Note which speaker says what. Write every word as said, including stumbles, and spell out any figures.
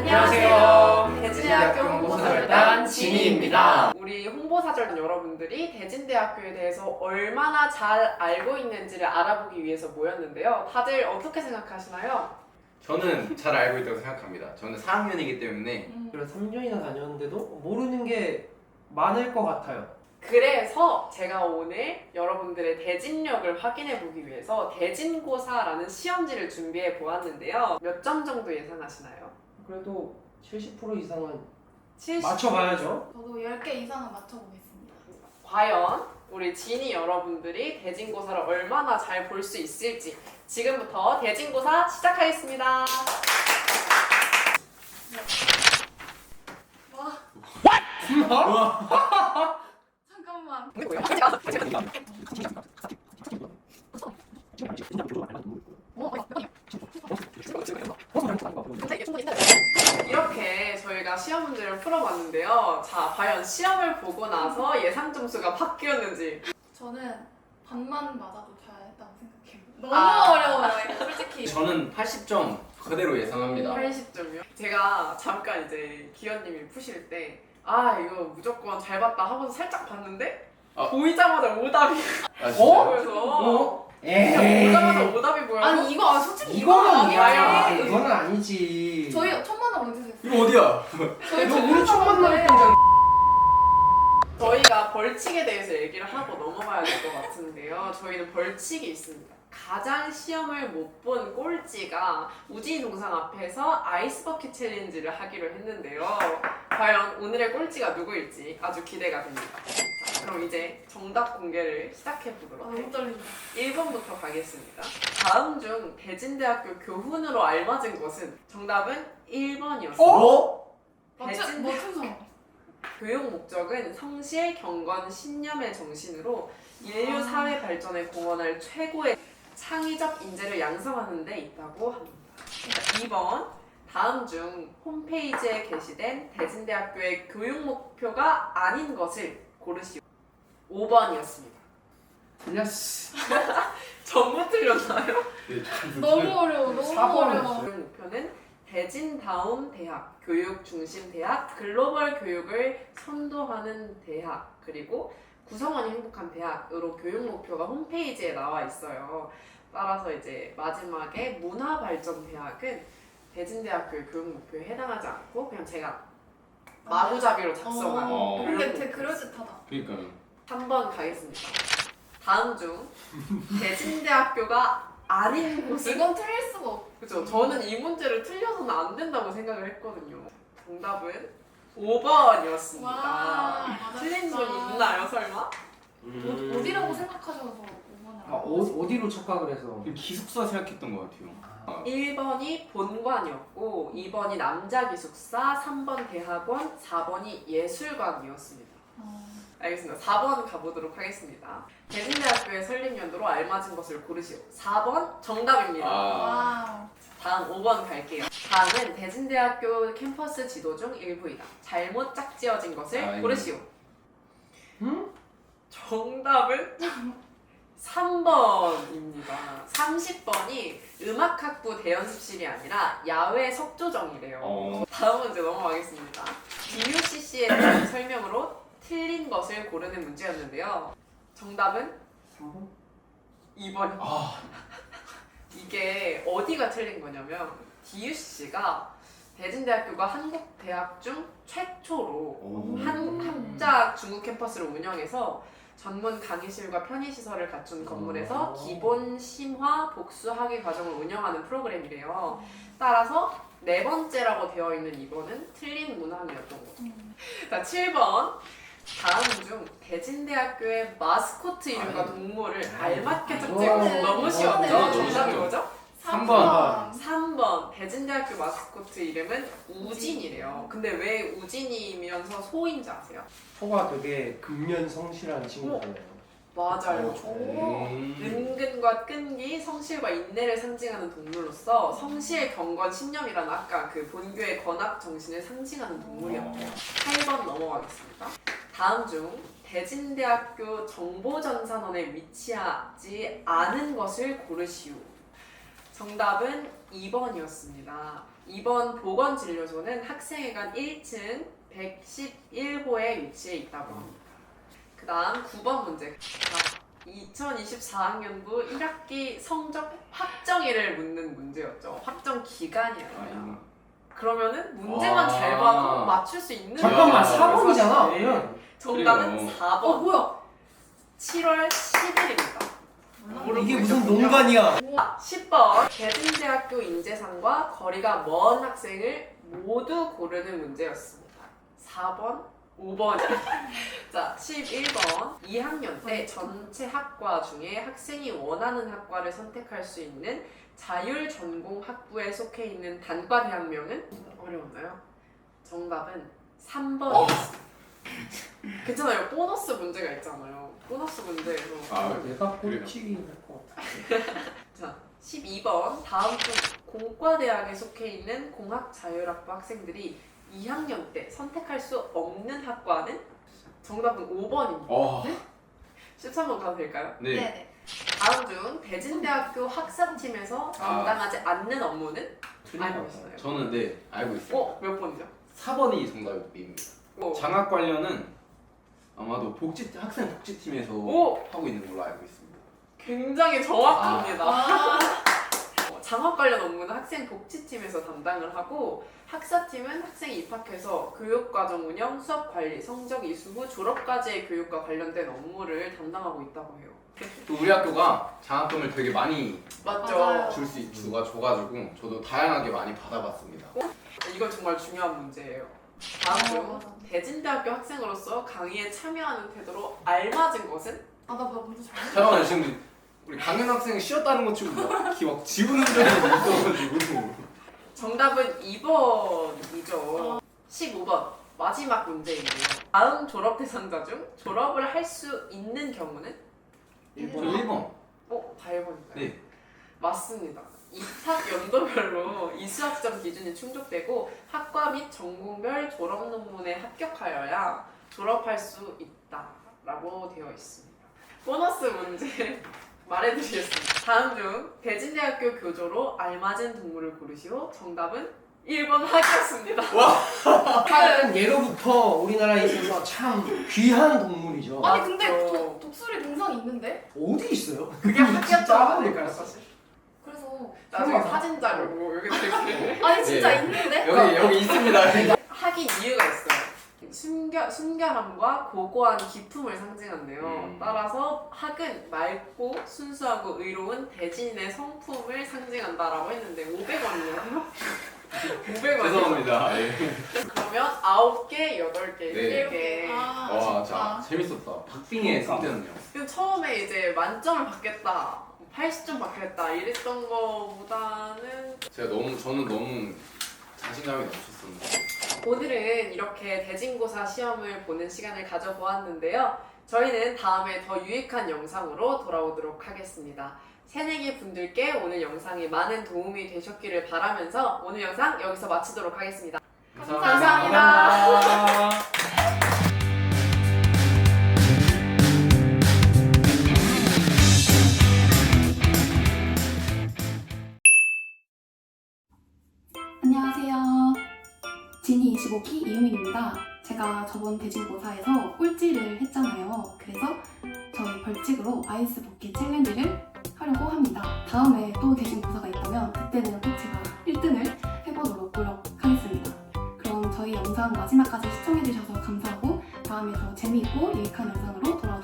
Speaker 1: 안녕하세요.
Speaker 2: 대진대학교
Speaker 1: 홍보사절단 진희입니다.
Speaker 2: 우리 홍보사절단 여러분들이 대진대학교에 대해서 얼마나 잘 알고 있는지를 알아보기 위해서 모였는데요. 다들 어떻게 생각하시나요?
Speaker 1: 저는 잘 알고 있다고 생각합니다. 저는 사 학년이기 때문에
Speaker 3: 그래서 삼 년이나 다녔는데도 모르는 게 많을 것 같아요.
Speaker 2: 그래서 제가 오늘 여러분들의 대진력을 확인해 보기 위해서 대진고사라는 시험지를 준비해 보았는데요. 몇 점 정도 예상하시나요?
Speaker 3: 그래도 칠십 퍼센트 이상은
Speaker 2: 칠십
Speaker 3: 맞춰봐야죠.
Speaker 4: 저도 열 개 이상은 맞춰보겠습니다.
Speaker 2: 과연 우리 진이 여러분들이 대진고사를 얼마나 잘 볼 수 있을지 지금부터 대진고사 시작하겠습니다.
Speaker 4: 와. 잠깐만.
Speaker 2: 이렇게 저희가 시험 문제를 풀어봤는데요. 자, 과연 시험을 보고 나서 예상 점수가 바뀌었는지.
Speaker 4: 저는 반만 맞아도 잘했다고 생각해요. 너무
Speaker 2: 아.
Speaker 4: 어려워요, 이거 솔직히.
Speaker 1: 저는 팔십 점 그대로 예상합니다.
Speaker 2: 팔십 점이요? 제가 잠깐 이제 기현님이 푸실 때 아 이거 무조건 잘 봤다 하고서 살짝 봤는데
Speaker 1: 아.
Speaker 2: 보이자마자 오답이
Speaker 1: 아,
Speaker 3: 어?
Speaker 1: 진짜요?
Speaker 2: 그래서
Speaker 3: 어?
Speaker 2: 그냥 보자마자
Speaker 3: 에이.
Speaker 2: 오답이 보여서
Speaker 4: 아니 이거 아, 솔직히
Speaker 3: 이거는
Speaker 4: 이거는
Speaker 3: 아니야.
Speaker 4: 아니야.
Speaker 3: 이거는 아니지.
Speaker 4: 저희 첫 만남 언제 됐어요?
Speaker 1: 이거 어디야?
Speaker 4: 저희
Speaker 3: 너 우리 첫 만날
Speaker 4: 때
Speaker 2: 저희가 벌칙에 대해서 얘기를 하고 넘어가야 될 것 같은데요. 저희는 벌칙이 있습니다. 가장 시험을 못 본 꼴찌가 우진이 동상 앞에서 아이스버킷 챌린지를 하기로 했는데요. 과연 오늘의 꼴찌가 누구일지 아주 기대가 됩니다. 자, 그럼 이제 정답 공개를 시작해 보도록
Speaker 4: 너무
Speaker 2: 할게요.
Speaker 4: 떨린다.
Speaker 2: 일 번부터 가겠습니다. 다음 중 대진대학교 교훈으로 알맞은 것은 정답은 일 번이었습니다.
Speaker 3: 어?
Speaker 2: 대진-
Speaker 4: 맞춘 맞춘
Speaker 2: 교육 목적은 성실, 경건, 신념의 정신으로 인류 사회 발전에 공헌할 최고의 창의적 인재를 양성하는 데 있다고 합니다. 이 번 다음 중 홈페이지에 게시된 대진대학교의 교육 목표가 아닌 것을 고르시오. 오 번이었습니다.
Speaker 3: 틀렸어.
Speaker 2: 전부 틀렸나요?
Speaker 1: 네, 저는
Speaker 4: 너무 어려워, 너무
Speaker 3: 사 번은
Speaker 4: 어려워.
Speaker 2: 교육 목표는 대진다운 대학, 교육 중심 대학, 글로벌 교육을 선도하는 대학, 그리고 구성원이 행복한 대학으로 교육 목표가 홈페이지에 나와 있어요. 따라서 이제 마지막에 문화발전대학은 대진대학교의 교육 목표에 해당하지 않고 그냥 제가 마구잡이로 작성한
Speaker 1: 어.
Speaker 2: 교육
Speaker 4: 근데
Speaker 2: 목표.
Speaker 4: 되게 그럴듯하다.
Speaker 1: 그러니까요.
Speaker 2: 삼 번 가겠습니다. 다음 중 대진대학교가 아닌 곳은
Speaker 4: 이건 틀릴 수가 없어.
Speaker 2: 그죠? 저는 이 문제를 틀려서는 안 된다고 생각을 했거든요. 정답은 오 번이었습니다.
Speaker 4: 와,
Speaker 2: 틀린
Speaker 4: 맞았다.
Speaker 2: 분이 있나요, 설마?
Speaker 3: 음.
Speaker 4: 어, 어디라고 생각하셔서 오 번을
Speaker 3: 아, 어, 어디로 착각을 해서?
Speaker 1: 기숙사 생각했던 것 같아요. 아,
Speaker 2: 일 번이 본관이었고, 이 번이 남자기숙사, 삼 번 대학원, 사 번이 예술관이었습니다.
Speaker 4: 어,
Speaker 2: 알겠습니다. 사 번 가보도록 하겠습니다. 대진대학교의 설립연도로 알맞은 것을 고르시오. 사 번 정답입니다.
Speaker 1: 아.
Speaker 4: 와우.
Speaker 2: 다음 오 번 갈게요. 다음은 대진대학교 캠퍼스 지도 중 일부이다. 잘못 짝지어진 것을
Speaker 1: 아, 이거.
Speaker 2: 고르시오.
Speaker 3: 응?
Speaker 2: 정답은 삼 번입니다. 삼십 번이 음악학부 대연습실이 아니라 야외 석조정이래요.
Speaker 1: 어.
Speaker 2: 다음 문제 넘어가겠습니다. 디유씨씨에 대한 설명으로 틀린 것을 고르는 문제였는데요. 정답은
Speaker 3: 삼 번?
Speaker 2: 이 번.
Speaker 1: 아,
Speaker 2: 이게 어디가 틀린 거냐면 디유씨씨가 대진대학교가 한국 대학 중 최초로
Speaker 1: 오.
Speaker 2: 한국 합작 중국 캠퍼스를 운영해서 전문 강의실과 편의시설을 갖춘 건물에서
Speaker 3: 오.
Speaker 2: 기본 심화 복수 학위 과정을 운영하는 프로그램이래요. 따라서 네 번째라고 되어 있는 이 번은 틀린 문항이었던 거죠.
Speaker 4: 음.
Speaker 2: 자, 칠 번. 다음 중 대진대학교의 마스코트 이름과
Speaker 1: 아이.
Speaker 2: 동물을
Speaker 3: 아이.
Speaker 2: 알맞게
Speaker 3: 이거는-
Speaker 2: 적재면 너무 쉬웠죠?
Speaker 4: 이거는
Speaker 2: 정답이
Speaker 1: 너무
Speaker 2: 뭐죠?
Speaker 1: 삼 번.
Speaker 2: 삼 번. 대진대학교 마스코트 이름은 우진이래요. 근데 왜 우진이면서 소인지 아세요?
Speaker 3: 소가 되게 근면성실한 친구잖아요.
Speaker 2: 맞아요.
Speaker 4: 오.
Speaker 1: 음.
Speaker 2: 은근과 끈기, 성실과 인내를 상징하는 동물로서 성실, 경건, 신념이라는 아까 그 본교의 권학 정신을 상징하는 동물이었대요. 팔 번 넘어가겠습니다. 다음 중 대진대학교 정보전산원에 위치하지 않은 것을 고르시오. 정답은 이 번이었습니다. 이 번 보건진료소는 학생회관 일 층 백십일 호에 위치해 있다고 합니다. 그 다음 구 번 문제. 자, 이천이십사 학년도 일 학기 성적 확정일을 묻는 문제였죠. 확정 기간이었어요. 그러면은 문제만
Speaker 1: 아.
Speaker 2: 잘 봐도 맞출 수 있는
Speaker 3: 잠깐만,
Speaker 1: 야,
Speaker 3: 사 번이잖아.
Speaker 2: 사실.
Speaker 3: 그러면
Speaker 2: 정답은
Speaker 1: 그래요.
Speaker 2: 사 번.
Speaker 4: 어 뭐야?
Speaker 2: 칠월 십일입니다.
Speaker 4: 몰라.
Speaker 3: 이게 무슨 농간이야?
Speaker 2: 십 번 대진대학교 인재상과 거리가 먼 학생을 모두 고르는 문제였습니다. 사 번, 오 번. 자, 십일 번 이 학년 때 전체 학과 중에 학생이 원하는 학과를 선택할 수 있는 자율 전공 학부에 속해 있는 단과 대학명은 어려웠나요? 정답은 삼 번이었습니다. 괜찮아요. 보너스 문제가 있잖아요. 보너스 문제에서
Speaker 1: 아,
Speaker 3: 내가
Speaker 1: 그래요?
Speaker 3: 꼴찌기 할것 같아.
Speaker 2: 자, 십이 번 다음 중 공과대학에 속해 있는 공학자율학부 학생들이 이 학년 때 선택할 수 없는 학과는? 정답은 오 번입니다.
Speaker 1: 어,
Speaker 2: 십삼 번 가도 될까요?
Speaker 1: 네.
Speaker 4: 네네.
Speaker 2: 다음 중 대진대학교 학사팀에서 담당하지 않는 업무는?
Speaker 3: 틀린
Speaker 2: 알고
Speaker 3: 거
Speaker 2: 있어요.
Speaker 1: 저는 네 알고 있어요.
Speaker 2: 어? 몇 번이죠?
Speaker 1: 사 번이 정답입니다.
Speaker 2: 오.
Speaker 1: 장학 관련은 아마도 복지 학생 복지팀에서
Speaker 2: 오!
Speaker 1: 하고 있는 걸로 알고 있습니다.
Speaker 2: 굉장히 정확합니다.
Speaker 4: 아,
Speaker 2: 어, 장학 관련 업무는 학생 복지팀에서 담당을 하고 학사팀은 학생이 입학해서 교육과정 운영, 수업 관리, 성적 이수 후 졸업까지의 교육과 관련된 업무를 담당하고 있다고 해요.
Speaker 1: 또 우리 학교가 장학금을 되게 많이
Speaker 2: 맞죠?
Speaker 4: 맞아요.
Speaker 1: 줄 수 주가 줘가지고 저도 다양하게 많이 받아봤습니다.
Speaker 2: 이건 정말 중요한 문제예요. 다음
Speaker 4: 어,
Speaker 2: 중
Speaker 4: 맞아.
Speaker 2: 대진대학교 학생으로서 강의에 참여하는 태도로 알맞은 것은?
Speaker 4: 아, 나 뭐 먼저 잘.
Speaker 1: 잠깐만 지금 우리 강연 학생이 쉬었다는 것 치고 막, 기- 막 지우는 적이 있어가지고
Speaker 2: 정답은 이 번이죠. 십오 번 마지막 문제인데요. 다음 졸업 대상자 중 졸업을 할 수 있는 경우는?
Speaker 1: 저
Speaker 3: 일 번.
Speaker 1: 일 번.
Speaker 2: 어? 다 일 번인가요?
Speaker 1: 네.
Speaker 2: 맞습니다. 입학 연도별로 이수학점 기준이 충족되고 학과 및 전공별 졸업 논문에 합격하여야 졸업할 수 있다라고 되어 있습니다. 보너스 문제 말해드리겠습니다. 다음 중 대진대학교 교조로 알맞은 동물을 고르시오. 정답은 일 번 학이었습니다.
Speaker 3: 학은 예로부터 우리나라에 있어서 참 귀한 동물이죠.
Speaker 4: 아니 근데
Speaker 2: 맞죠.
Speaker 4: 독, 독수리 동상 있는데?
Speaker 3: 어디 있어요?
Speaker 2: 그게
Speaker 3: 진짜
Speaker 2: 학이었다고
Speaker 3: 알아야 될까요?
Speaker 2: 될까요 사실?
Speaker 4: 그래서
Speaker 2: 나중에
Speaker 3: 설마.
Speaker 2: 사진 자료고 여기 되게
Speaker 4: 아니 진짜
Speaker 1: 네.
Speaker 4: 있는데?
Speaker 1: 여기 여기 있습니다.
Speaker 2: 학인 이유가 있어요. 순결, 순결함과 고고한 기품을 상징한대요.
Speaker 1: 음.
Speaker 2: 따라서 학은 맑고 순수하고 의로운 대진의 성품을 상징한다라고 했는데 오백 원이요. 오백 원.
Speaker 1: 죄송합니다. 네.
Speaker 2: 그러면 아홉 개, 여덟 개,
Speaker 1: 네.
Speaker 2: 일 개.
Speaker 4: 아,
Speaker 1: 와,
Speaker 4: 아쉽다.
Speaker 1: 자 재밌었다. 박빙의
Speaker 3: 그러니까.
Speaker 1: 상태는요.
Speaker 2: 근데 처음에 이제 만점을 받겠다, 팔십 점 받겠다 이랬던 거보다는
Speaker 1: 제가 너무 저는 너무 자신감이 넘쳤었는데.
Speaker 2: 오늘은 이렇게 대진고사 시험을 보는 시간을 가져보았는데요. 저희는 다음에 더 유익한 영상으로 돌아오도록 하겠습니다. 새내기 분들께 오늘 영상이 많은 도움이 되셨기를 바라면서 오늘 영상 여기서 마치도록 하겠습니다. 감사합니다.
Speaker 3: 감사합니다.
Speaker 5: 안녕하세요. 지니 이십오 기 이유민입니다. 제가 저번 대진고사에서 꼴찌를 했잖아요. 그래서 저희 벌칙으로 아이스 버킷 챌린지를 하려고 합니다. 다음에 또 대진고사가 있다면 그때는 꼭 제가 일 등을 해보도록 노력하겠습니다. 그럼 저희 영상 마지막까지 시청해주셔서 감사하고 다음에 더 재미있고 유익한 영상으로 돌아오겠습니다.